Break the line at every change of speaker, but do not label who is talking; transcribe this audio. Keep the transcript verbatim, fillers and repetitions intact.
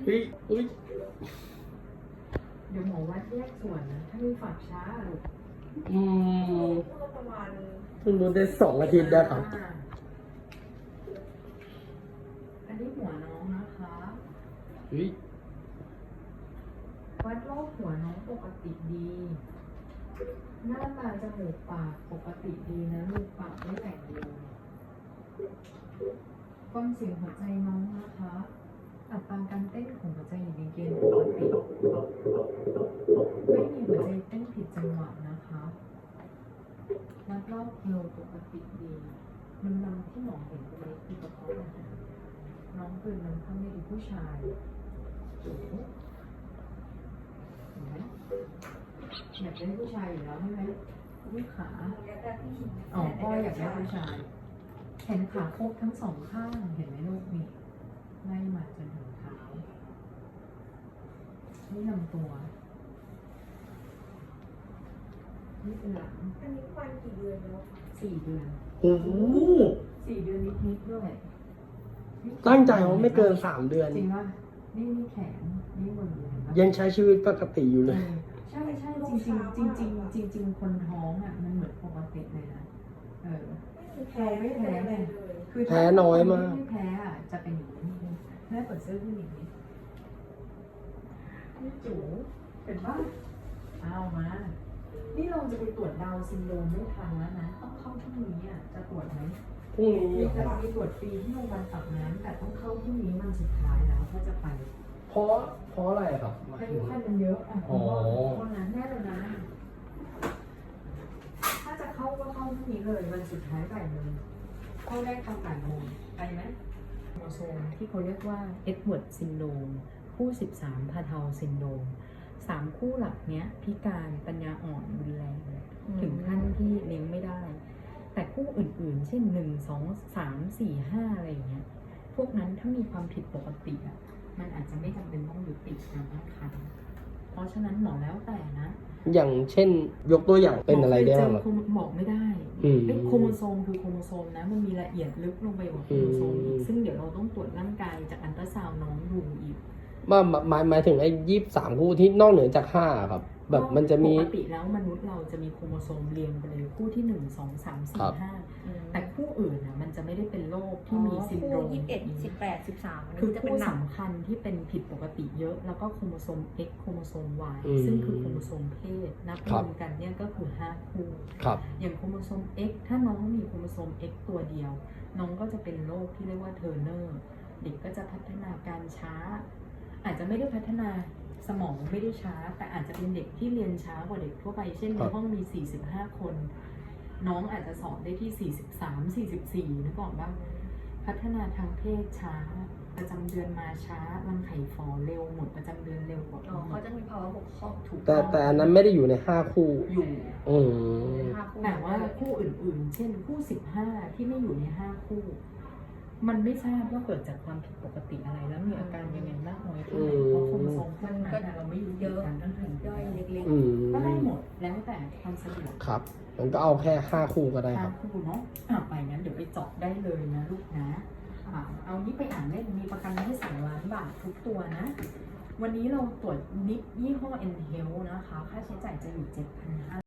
เฮ้ยเฮ้ย
เดี๋ยวหมอวัดแยกส่วนนะ ถ้ามีฝากช้าลูก
อืม
ประมาณ
เพิ่งรู้ได้สองอาทิตย์ได้ครับ
อันนี้หัวน้องนะคะ
เฮ้ย
วัดรอบหัวน้องปกติดี หน้าตาจมูกปากปกติดีนะลูกปากไม่แตกเดียวฟังเสียงหัวใจน้องนะคะอัตราการเต้นของหัวใจอยู่ในเกณฑ์ปกติไม่มีหัวใจเต้นผิดจังหวะนะคะวัดรอบเอวปกติดีมันนำที่หมอเห็นเป็นเล็กที่กระเพาะอาหารน้องเป็นมันข้างไม่ดีผู้ชายโอ้โหเห็นไหมอยากได้ผู้ชายอยู่แล้วใช่ไหมลูกขาอ๋อพ่ออยากได้ผู้ชายแขนขาครบทั้งสองข้างเห็นไหมลูกนี่ไล่มาจนถึงเท้านี่ลำตัวนี่เป็นหลัง
อันนี้ควันกี่เดือนแล้วคะ
สี่เดือน
โอ้โห
สี่เดือนนิดๆด้วย
ตั้งใจว่าไม่เกินสามเดือน
จริงว่านี่นี่แขนนี่มือเห็นปะ
ยังใช้ชีวิตปกติอยู่เลย
ใช่ใช่จริงจริงจริงจริงจริงจริงๆคนท้องอ่ะมันเหมือนปกติเลยนะเออ
ไม่มีแพ้ไม่แพ้เลย
คือ
แพ้น้อยมาก
ไม่แพ้อ่ะจะเป็นอย่างนี้แม่เปิดเสื้อผู้หญิงนี้นี่จู๋เห็นปะเอามา นี่เราจะไปตรวจดาวน์ซินโดรมไม่ทันแล้วนะต้องเข้าพรุ่งนี้อ่ะจะตรวจไหม
พรุ่งนี้
มี
เหร
จะ
อ
มีตรวจฟรีที่โรงพยาบาลปากน้ำแต่ต้องเข้าพรุ่งนี้มันสุดท้ายแล้วก็จะไป
เพราะเพราะอะไรครับหมาย
อา
ถึ
ยุ
ง
ขั้นมันเยอะอ่ะ
อ๋อ
เพราะนั้นแน่เลยนะ ถ้าจะเข้าก็เข้าพรุ่งนี้เลยวันสุดท้ายบ่ายโมงเข้าได้ตอนบ่ายโมงไปไหมโมโซมที่เขาเรียกว่าเอ็ดเวิร์ดซินโดรมคู่สิบสามพาเทาซินโดรมสามคู่หลักเนี้ยพิการปัญญาอ่อนรุนแรงถึงขั้นที่เลี้ยงไม่ได้ แต่คู่อื่นๆ เช่นหนึ่งสองสามสี่ห้าอะไรอย่างเงี้ยพวกนั้นถ้ามีความผิดปกติอ่ะมันอาจจะไม่จำเป็นต้องยุติการตั้งครรภ์เพราะฉะนั้นหมอแล้วแต่นะ
อย่างเช่น ยกตัวอย่างเป็นอะไรได้บ้าง
หม
อะ
อเคยเจอบอกไม่ได้
อืม
เอ้ยโครโมโซมคือโครโมโซมนะ มันมีละเอียดลึกลงไปกว่าโครโมโซมอี
อื
ก
ม
ซึ่งเดี๋ยวเราต้องตรวจร่างกายจากอันตราซาวน์น้องดูอีก
ว่าหมายหมายถึงไอ้ยี่สิบสามคู่ที่นอกเหนือจากห้าครับ แบบมันจะมี
ปกติแล้วมนุษย์เราจะมีโครโมโซมเรียงไปเลยคู่ที่หนึ่งสองสามสี่
ครับ
ห้าแต่คู่อื่นน่ะมันจะไม่ได้เป็นโรคที่มีซินโดรม
ยี่สิบเอ็ดสิบแปดสิบสาม
คือ
จะ
คู่
เป็นหนัก
สำคัญที่เป็นผิดปกติเยอะ แล้วก็โครโมโซม X โครโมโซม Y
อืม
ซึ่งคือโครโมโซมเพศนับ
ค
ร
รั
ว
บ
มกันเนี่ยก็คือห้าคู่
ครับ
อย่างโครโมโซม X ถ้าน้องมีโครโมโซม X ตัวเดียว น้องก็จะเป็นโรคที่เรียกว่าเทอร์เนอร์เด็กก็จะพัฒนาการช้า อาจจะไม่ได้พัฒนาสมองไม่ได้ช้า แต่อาจจะเป็นเด็กที่เรียนช้ากว่าเด็กทั่วไป เช่นในห้องมีสี่สิบห้าคน น้องอาจจะสอบได้ที่สี่สิบสาม สี่สิบสี่นึกออกบ้างพัฒนาทางเพศช้า ประจำเดือนมาช้ารังไข่ฝ่อเร็วหมดประจำเดือนเร็วกว่า
อ๋อเขาจะมีภาวะบกพร่อง
ถูก
แต่แต่อันนั้นไม่ได้อยู่ในห้าคู่
อยู่
อืม
แต่ว่าคู่อื่นๆ เช่นคู่สิบห้าที่ไม่อยู่ในห้าคู่ มันไม่ทราบว่าเกิดจากความผิดปกติอะไรแล้วมีอาการยังไงมากน้อยเท่าไหร่เพราะโครโมโซมพวกนั้นน่ะเราไม่รู้เยอะการตั้งครรภ์
ย่อยเล็ก
อืม
ก็ได้หมดแล้วแต่ความสะดวก
ครับมันก็เอาแค่ห้าคู่ก็ได้ค
ห้า
รับ
คู่เนาะอ่ะไปงั้นเดี๋ยวไปเจาะได้เลยนะลูกนะอ่ะเอานี้ไปอ่านเล่นมีประกันให้สองล้านบาททุกตัวนะ วันนี้เราตรวจนิดยี่ห้อ N Health นะคะ ค่าใช้จ่ายจะอยู่เจ็ดพันห้า